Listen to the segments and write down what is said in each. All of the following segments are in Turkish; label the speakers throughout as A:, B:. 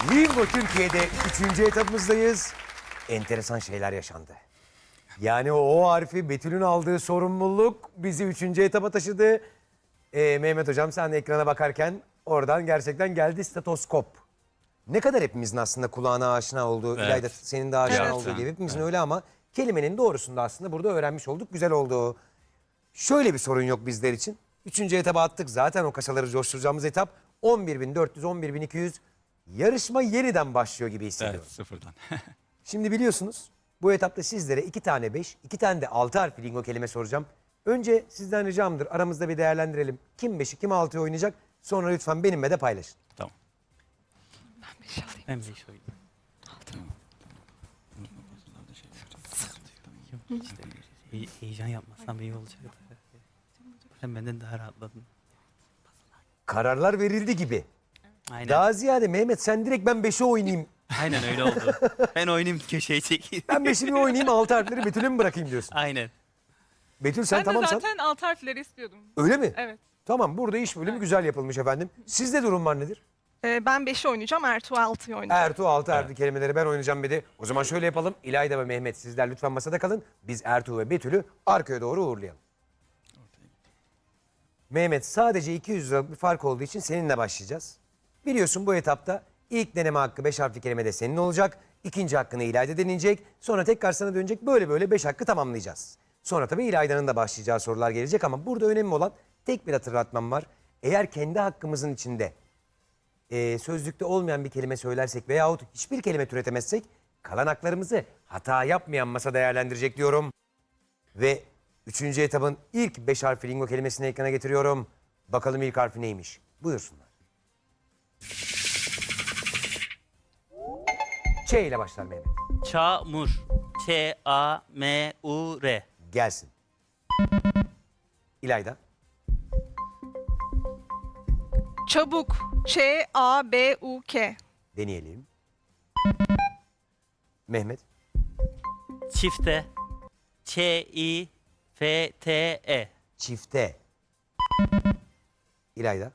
A: Lingo Türkiye'de 3. etapımızdayız. Enteresan şeyler yaşandı. Yani o harfi Betül'ün aldığı sorumluluk bizi 3. etapa taşıdı. Mehmet Hocam sen de ekrana bakarken oradan gerçekten geldi stetoskop. Ne kadar hepimizin aslında kulağına aşina olduğu,
B: Evet.
A: İlayda senin de aşina
B: Evet.
A: olduğu gibi hepimizin öyle ama kelimenin doğrusunu da aslında burada öğrenmiş olduk. Güzel oldu. Şöyle bir sorun yok bizler için. 3. etaba attık zaten o kasaları coşturacağımız etap. 11.400, 11.200 yarışma yeniden başlıyor gibi hissediyorum.
B: Evet, sıfırdan.
A: Şimdi biliyorsunuz bu etapta sizlere 2 tane 5, 2 tane de 6 harfli lingo kelime soracağım. Önce sizden ricamdır aramızda bir değerlendirelim. Kim 5'i kim 6'yı oynayacak sonra lütfen benimle de paylaşın.
B: Tamam.
C: Ben bir şey oynayayım. Heyecan yapmasam iyi olacaktı. Sen benden daha rahatladın.
A: Kararlar verildi gibi.
C: Aynen.
A: Daha ziyade Mehmet sen direkt ben 5'i oynayayım.
C: Aynen öyle oldu. Ben oynayayım köşeye çekeyim.
A: Ben 5'i bir oynayayım 6 harfleri Betül'e mi bırakayım diyorsun?
C: Aynen.
A: Betül sen
D: Ben
A: tamamsan.
D: de zaten alt harfleri istiyordum.
A: Öyle mi?
D: Evet.
A: Tamam burada iş bölümü güzel yapılmış efendim. Sizde durum var nedir?
D: Ben 5'i oynayacağım, Ertuğ 6'yı oynayacak.
A: Ertuğ 6 harfli kelimeleri ben oynayacağım dedi. O zaman şöyle yapalım. İlayda ve Mehmet sizler lütfen masada kalın. Biz Ertuğ ve Betül'ü arkaya doğru uğurlayalım. Mehmet sadece 200 lira bir fark olduğu için seninle başlayacağız. Biliyorsun bu etapta ilk deneme hakkı 5 harfli kelime de senin olacak. İkinci hakkını İlayda deneyecek. Sonra tekrar sana dönecek. Böyle böyle 5 hakkı tamamlayacağız. Sonra tabii İlayda'nın da başlayacağı sorular gelecek ama burada önemli olan tek bir hatırlatmam var. Eğer kendi hakkımızın içinde sözlükte olmayan bir kelime söylersek veyahut hiçbir kelime türetemezsek kalan haklarımızı hata yapmayan masa değerlendirecek diyorum. Ve 3. etapın ilk 5 harfli lingo kelimesini ekrana getiriyorum. Bakalım ilk harfi neymiş? Buyursunlar. Ç ile başlar Mehmet.
C: Çamur. Ç-A-M-U-R.
A: Gelsin. İlayda.
D: Çabuk. Ç-A-B-U-K.
A: Deneyelim. Mehmet.
C: Çifte. Ç-İ-F-T-E.
A: Çifte. İlayda.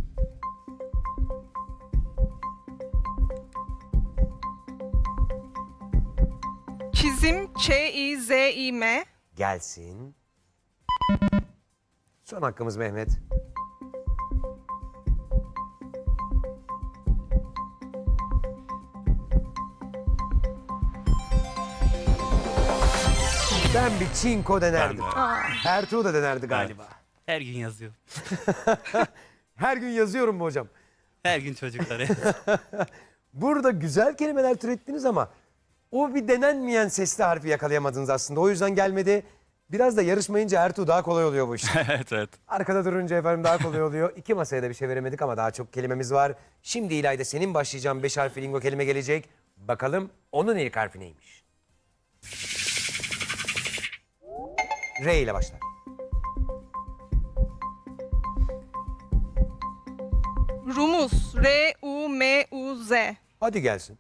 D: Çizim. Ç-İ-Z-İ-M.
A: Gelsin. Son hakkımız Mehmet. Ben bir çinko denerdim. Ertuğ da denerdi galiba.
C: Her gün yazıyor.
A: Her gün yazıyorum mu hocam?
C: Her gün çocukları.
A: Burada güzel kelimeler türettiniz ama o bir denenmeyen sesli harfi yakalayamadınız aslında. O yüzden gelmedi. Biraz da yarışmayınca Ertuğ daha kolay oluyor bu iş.
B: Evet, evet.
A: Arkada durunca efendim daha kolay oluyor. 2 masaya da bir şey veremedik ama daha çok kelimemiz var. Şimdi İlayda senin başlayacağın 5 harfli lingo kelime gelecek. Bakalım onun ilk harfi neymiş? R ile başlar.
D: Rumuz. R-U-M-U-Z.
A: Hadi gelsin.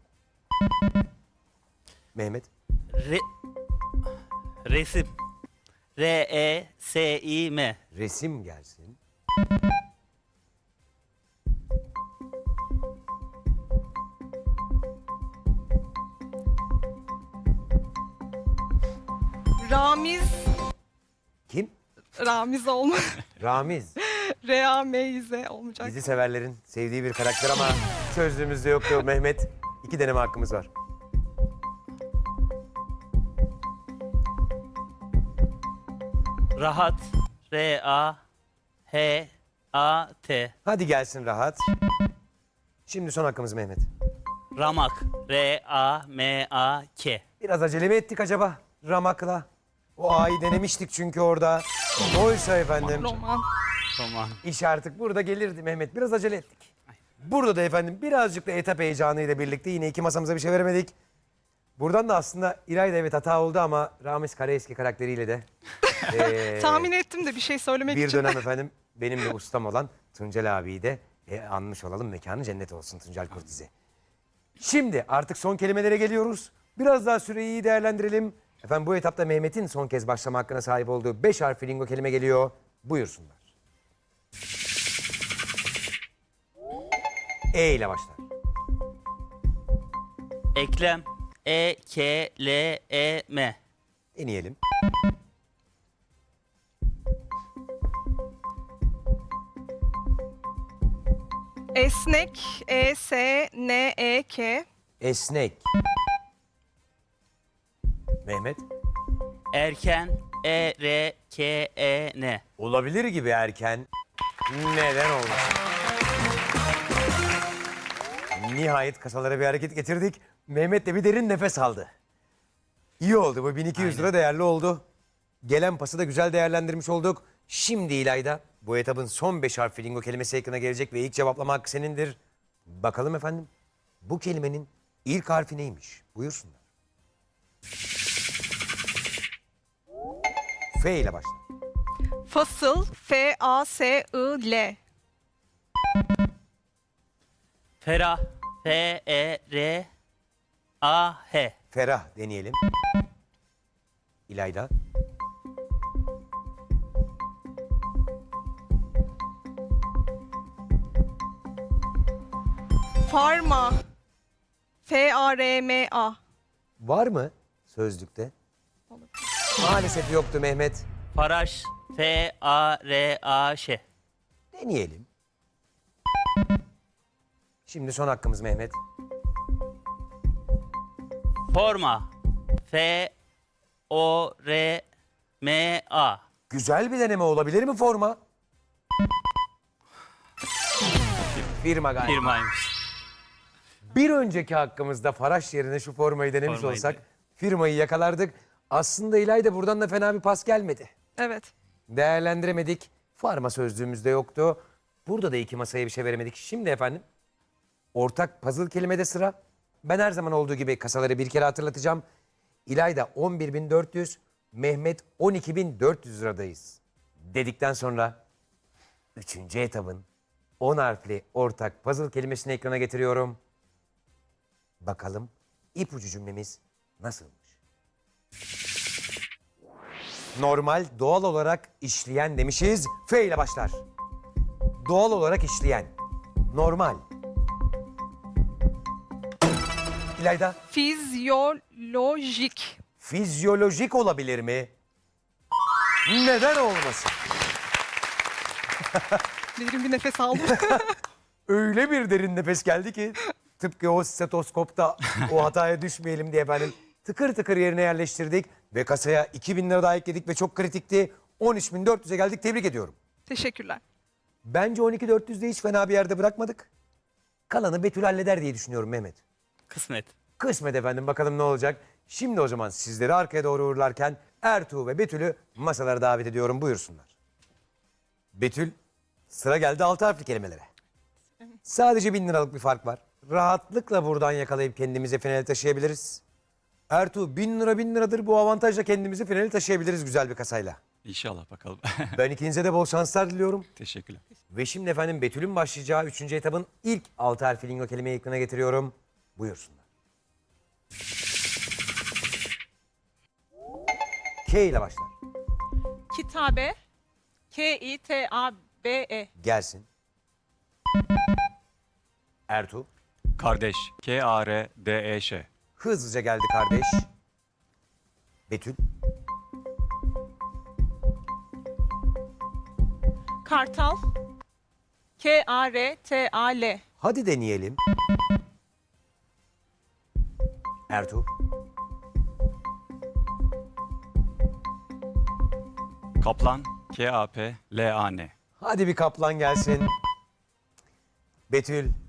A: Mehmet.
C: Resim. R-E-S-İ-M.
A: Resim gelsin.
D: Ramiz.
A: Kim?
D: Ramiz olma.
A: Ramiz.
D: R-A-M-İ-Z olmayacak.
A: Dizi severlerin sevdiği bir karakter ama sözlüğümüzde yoktu Mehmet. 2 deneme hakkımız var.
C: Rahat. R-A-H-A-T.
A: Hadi gelsin rahat. Şimdi son hakkımız Mehmet.
C: Ramak. R-A-M-A-K.
A: Biraz acele mi ettik acaba Ramak'la? O A'yı denemiştik çünkü orada. Oysa efendim
D: Roman.
C: Roman.
A: iş artık burada gelirdi Mehmet. Biraz acele ettik. Burada da efendim birazcık da etap heyecanıyla birlikte yine 2 masamıza bir şey veremedik. Buradan da aslında İlayda evet hata oldu ama Ramiz Karaeski karakteriyle de
D: Tahmin ettim de bir şey söylemek
A: bir
D: için.
A: dönem efendim benim de ustam olan Tuncel abiyi de anmış olalım. Mekanı cennet olsun Tuncel Kurtiz'i. Şimdi artık son kelimelere geliyoruz. Biraz daha süreyi iyi değerlendirelim. Efendim bu etapta Mehmet'in son kez başlama hakkına sahip olduğu 5 harfli lingo kelime geliyor. Buyursunlar. E ile başlar.
C: Eklem. E-K-L-E-M.
A: Deneyelim.
D: Esnek. E-S-N-E-K.
A: Esnek. Mehmet.
C: Erken. E-R-K-E-N.
A: Olabilir gibi erken. Neden olmasın? Nihayet kasalara bir hareket getirdik. Mehmet de bir derin nefes aldı. İyi oldu bu 1200 lira değerli oldu. Gelen pası da güzel değerlendirmiş olduk. Şimdi İlayda bu etabın son 5 harfli lingo kelimesi ekrana gelecek ve ilk cevaplama hakkı senindir. Bakalım efendim bu kelimenin ilk harfi neymiş? Buyursunlar. F ile başla.
D: Fasıl. F-A-S-I-L.
C: Ferah. F-E-R-A-H.
A: Ferah deneyelim. İlayda.
D: Farma. F-A-R-M-A.
A: Var mı sözlükte? Maalesef yoktu Mehmet.
C: Faraş. F-A-R-A-Ş.
A: Deneyelim. Şimdi son hakkımız Mehmet.
C: Forma. F-O-R-M-A.
A: Güzel bir deneme olabilir mi forma? Firma galiba.
C: Firmaymış.
A: Bir önceki hakkımızda Faraş yerine şu formayı denemiş
C: Formaydı.
A: olsak firmayı yakalardık. Aslında İlayda buradan da fena bir pas gelmedi.
D: Evet.
A: Değerlendiremedik. Farma sözlüğümüzde yoktu. Burada da iki masaya bir şey veremedik. Şimdi efendim ortak puzzle kelimede sıra. Ben her zaman olduğu gibi kasaları bir kere hatırlatacağım. İlayda 11.400, Mehmet 12.400 liradayız. Dedikten sonra 3. etabın 10 harfli ortak puzzle kelimesini ekrana getiriyorum. Bakalım ipucu cümlemiz nasılmış? Normal, doğal olarak işleyen demişiz. F ile başlar. Doğal olarak işleyen. Normal. İlayda,
D: Fizyolojik.
A: fizyolojik olabilir mi? Neden olmasın?
D: Derin bir nefes aldım.
A: Öyle bir derin nefes geldi ki tıpkı o stetoskopta o hataya düşmeyelim diye efendim tıkır tıkır yerine yerleştirdik ve kasaya 2.000 lira daha ekledik ve çok kritikti. 13.400'e geldik. Tebrik ediyorum.
D: Teşekkürler.
A: Bence 12.400'de hiç fena bir yerde bırakmadık. Kalanı Betül halleder diye düşünüyorum Mehmet.
C: Kısmet.
A: Kısmet efendim, bakalım ne olacak. Şimdi o zaman sizleri arkaya doğru uğurlarken Ertuğ ve Betül'ü masalara davet ediyorum, buyursunlar. Betül, sıra geldi 6 harfli kelimelere. Sadece 1.000 liralık bir fark var. Rahatlıkla buradan yakalayıp kendimizi finale taşıyabiliriz. Ertuğ 1.000 lira 1.000 liradır, bu avantajla kendimizi finale taşıyabiliriz güzel bir kasayla.
B: İnşallah bakalım.
A: Ben ikinize de bol şanslar diliyorum.
B: Teşekkürler.
A: Ve şimdi efendim Betül'ün başlayacağı 3. etabın ilk 6 harfli lingo kelimeyi ekrana getiriyorum. Buyursunlar. K ile başlar.
E: Kitabe. K-I-T-A-B-E.
A: Gelsin. Ertuğ.
B: Kardeş. K-A-R-D-E-Ş.
A: Hızlıca geldi kardeş. Betül.
E: Kartal. K-A-R-T-A-L.
A: Hadi deneyelim. Ertuğ.
B: Kaplan. K-A-P-L-A-N.
A: Hadi bir kaplan gelsin. Betül.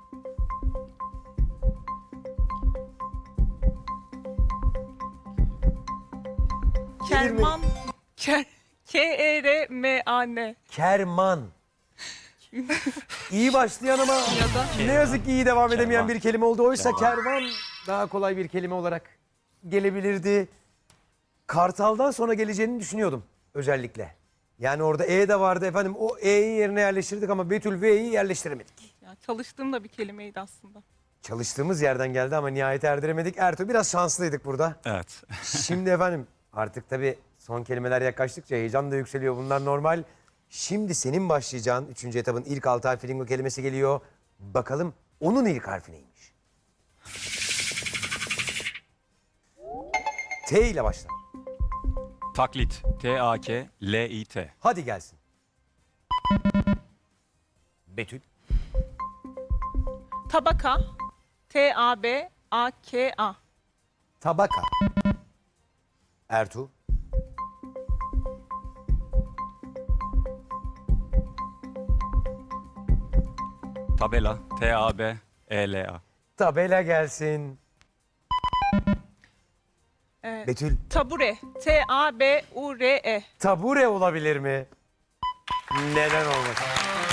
E: Kerman. K-E-R-M-A-N.
A: Kerman. İyi başlayan ama ne yazık ki iyi devam edemeyen
B: Kervan.
A: bir kelime oldu. Oysa
B: Kervan.
A: kervan daha kolay bir kelime olarak gelebilirdi. Kartaldan sonra geleceğini düşünüyordum özellikle. Yani orada E de vardı efendim. O E'yi yerine yerleştirdik ama Betül V'yi yerleştiremedik.
E: Ya, çalıştığım da bir kelimeydi aslında.
A: Çalıştığımız yerden geldi ama nihayet erdiremedik. Ertuğ biraz şanslıydık burada.
B: Evet.
A: Şimdi efendim artık tabii son kelimeler yaklaştıkça heyecan da yükseliyor. Bunlar normal. Şimdi senin başlayacağın 3. etabın ilk 6 harfli lingo kelimesi geliyor. Bakalım onun ilk harfi neymiş? T ile başlar.
B: Taklit. T-A-K-L-İ-T.
A: Hadi gelsin. Betül.
E: Tabaka. T-A-B-A-K-A.
A: Tabaka. Ertuğ.
B: Tabela. T-A-B-E-L-A.
A: Tabela gelsin. Betül.
E: Tabure. T-A-B-U-R-E.
A: Tabure olabilir mi? Neden olmasın?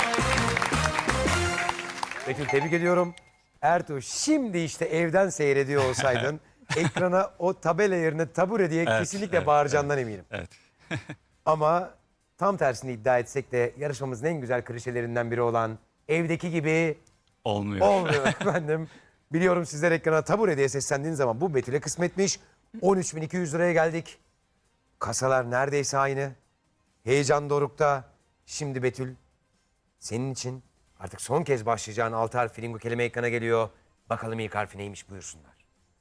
A: Betül tebrik ediyorum. Ertuğ şimdi işte evden seyrediyor olsaydın ekrana o tabela yerine tabure diye
B: Evet,
A: kesinlikle
B: evet,
A: bağıracağından eminim.
B: Evet.
A: Ama tam tersini iddia etsek de yarışmamızın en güzel klişelerinden biri olan evdeki gibi
B: Olmuyor.
A: olmuyor efendim. Biliyorum sizler ekrana tabure diye seslendiğiniz zaman bu Betül'e kısmetmiş. 13.200 liraya geldik. Kasalar neredeyse aynı. Heyecan dorukta. Şimdi Betül senin için artık son kez başlayacağın 6 harfli lingo kelime ekrana geliyor. Bakalım ilk harfi neymiş buyursunlar.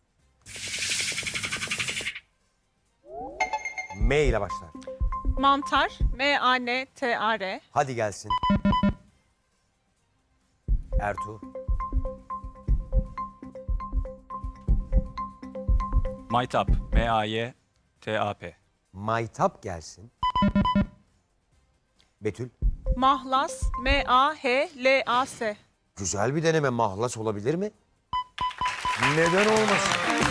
A: M ile başlar.
E: Mantar. M-A-N-T-A-R.
A: Hadi gelsin. Ertuğ.
B: Maytap. M-A-Y-T-A-P.
A: Maytap gelsin. Betül.
E: Mahlas. M-A-H-L-A-S.
A: Güzel bir deneme, mahlas olabilir mi? Neden olmasın?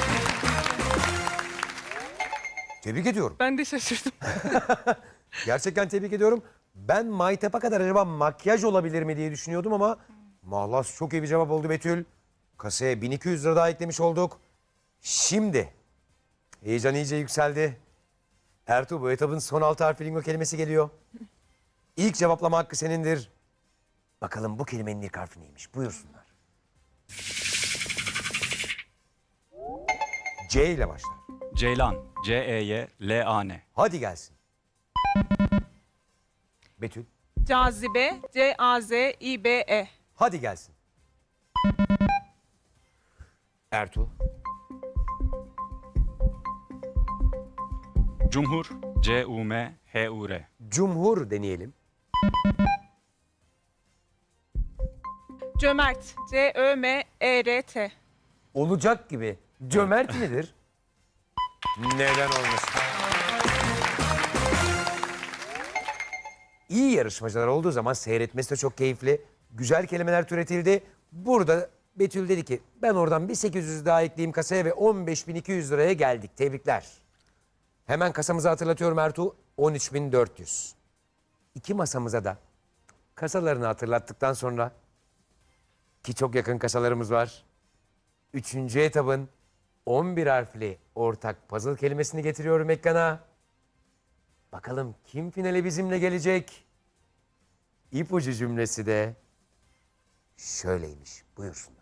A: Tebrik ediyorum.
E: Ben de şaşırdım.
A: Gerçekten tebrik ediyorum. Ben maytapa kadar acaba makyaj olabilir mi diye düşünüyordum ama mahlas çok iyi bir cevap oldu Betül. Kasaya 1200 lira daha eklemiş olduk. Şimdi heyecan iyice yükseldi. Ertuğ bu etabın son 6 harfli lingo kelimesi geliyor. İlk cevaplama hakkı senindir. Bakalım bu kelimenin ilk harfi neymiş? Buyursunlar. C ile başlar.
B: Ceylan. C-E-Y-L-A-N.
A: Hadi gelsin. Betül.
E: Cazibe. C-A-Z-İ-B-E.
A: Hadi gelsin. Ertuğ.
B: Cumhur. C-U-M-H-U-R.
A: Cumhur deneyelim.
E: Cömert. C-Ö-M-E-R-T.
A: Olacak gibi. Cömert midir? Neden olmasın? İyi yarışmacılar olduğu zaman seyretmesi de çok keyifli. Güzel kelimeler türetildi. Burada Betül dedi ki ben oradan bir 800 daha ekleyeyim kasaya ve 15.200 liraya geldik. Tebrikler. Hemen kasamızı hatırlatıyorum Ertuğ. 13.400. İki masamıza da kasalarını hatırlattıktan sonra ki çok yakın kasalarımız var. Üçüncü etabın 11 harfli ortak puzzle kelimesini getiriyorum ekrana. Bakalım kim finale bizimle gelecek? İpucu cümlesi de şöyleymiş. Buyursunlar.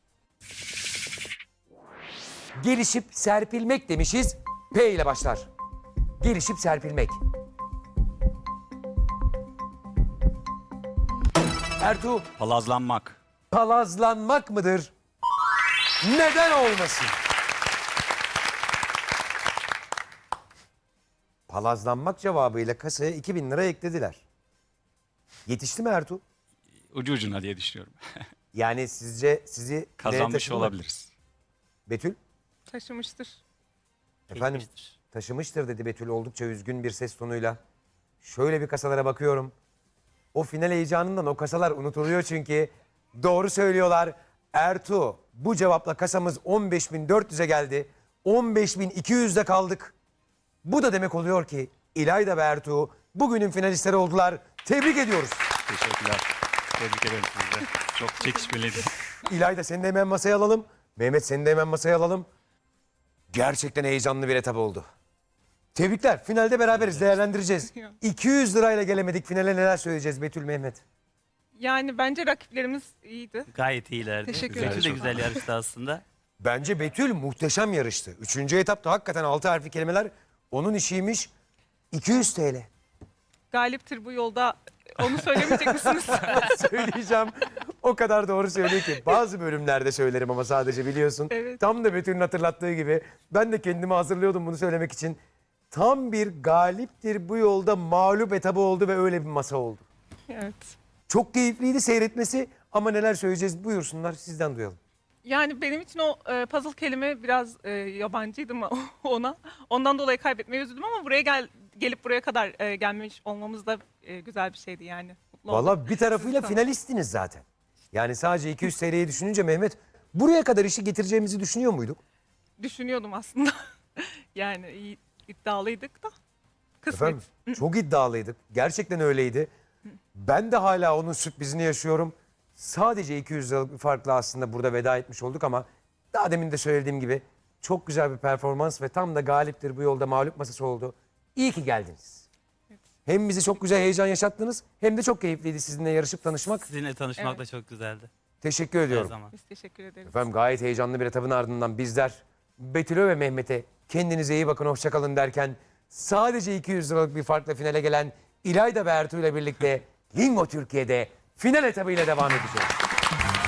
A: Gelişip serpilmek demişiz. P ile başlar. Gelişip serpilmek. Ertuğ,
B: Palazlanmak.
A: palazlanmak mıdır? Neden olmasın? Palazlanmak cevabıyla kasaya 2000 lira eklediler. Yetişti mi Ertuğ?
B: Ucu ucuna diye düşünüyorum.
A: Yani sizce sizi nereye
B: Kazanmış
A: taşıdı mı?
B: olabiliriz.
A: Betül,
E: Taşımıştır.
A: efendim
C: Geçmiştir.
A: taşımıştır dedi Betül oldukça üzgün bir ses tonuyla. Şöyle bir kasalara bakıyorum. O final heyecanından o kasalar unutuluyor çünkü. Doğru söylüyorlar. Ertuğ bu cevapla kasamız 15.400'e geldi. 15.200'de kaldık. Bu da demek oluyor ki İlayda ve Ertuğ bugünün finalistleri oldular. Tebrik ediyoruz.
B: Teşekkürler. Tebrik ederim sizi de. Çok çekişmeliydi.
A: İlayda seni de hemen masaya alalım. Mehmet seni de hemen masaya alalım. Gerçekten heyecanlı bir etap oldu. Tebrikler. Finalde beraberiz. Değerlendireceğiz. 200 lirayla gelemedik. Finale neler söyleyeceğiz Betül, Mehmet?
E: Yani bence rakiplerimiz iyiydi.
C: Gayet iyilerdi.
D: Teşekkür
C: Betül
B: ederim.
C: de güzel yarıştı aslında.
A: Bence Betül muhteşem yarıştı. Üçüncü etapta hakikaten 6 harfli kelimeler onun işiymiş. 200 TL.
E: Galiptir bu yolda. Onu söylemeyecek misiniz?
A: Söyleyeceğim. O kadar doğru söylüyor ki. Bazı bölümlerde söylerim ama sadece biliyorsun.
E: Evet.
A: Tam da Betül'ün hatırlattığı gibi. Ben de kendimi hazırlıyordum bunu söylemek için. Tam bir galiptir bu yolda mağlup etabı oldu ve öyle bir masa oldu.
E: Evet.
A: Çok keyifliydi seyretmesi ama neler söyleyeceğiz buyursunlar sizden duyalım.
E: Yani benim için o puzzle kelime biraz yabancıydı mı ona. Ondan dolayı kaybetmeyi üzüldüm ama gelip buraya kadar gelmiş olmamız da güzel bir şeydi yani. Mutlu oldum.
A: Valla bir tarafıyla
E: Siz de.
A: finalistiniz zaten. Yani sadece 200 TL'yi düşününce Mehmet buraya kadar işi getireceğimizi düşünüyor muyduk?
E: Düşünüyordum aslında. Yani iyi iddialıydık da. Kısmet.
A: Efendim çok iddialıydık. Gerçekten öyleydi. Ben de hala onun sürprizini yaşıyorum. Sadece 200 liralık bir farkla aslında burada veda etmiş olduk ama daha demin de söylediğim gibi çok güzel bir performans ve tam da galiptir bu yolda mağlup masası oldu. İyi ki geldiniz. Hem bizi çok güzel heyecan yaşattınız hem de çok keyifliydi sizinle yarışıp tanışmak.
C: Sizinle tanışmak da çok güzeldi.
A: Teşekkür
C: Her
A: ediyorum.
C: zaman.
E: Biz teşekkür ederiz.
A: Efendim gayet heyecanlı bir etapın ardından bizler Betül'e ve Mehmet'e kendinize iyi bakın hoşçakalın derken sadece 200 liralık bir farkla finale gelen İlayda ve Ertuğ ile birlikte Lingo Türkiye'de final etabıyla devam edeceğiz.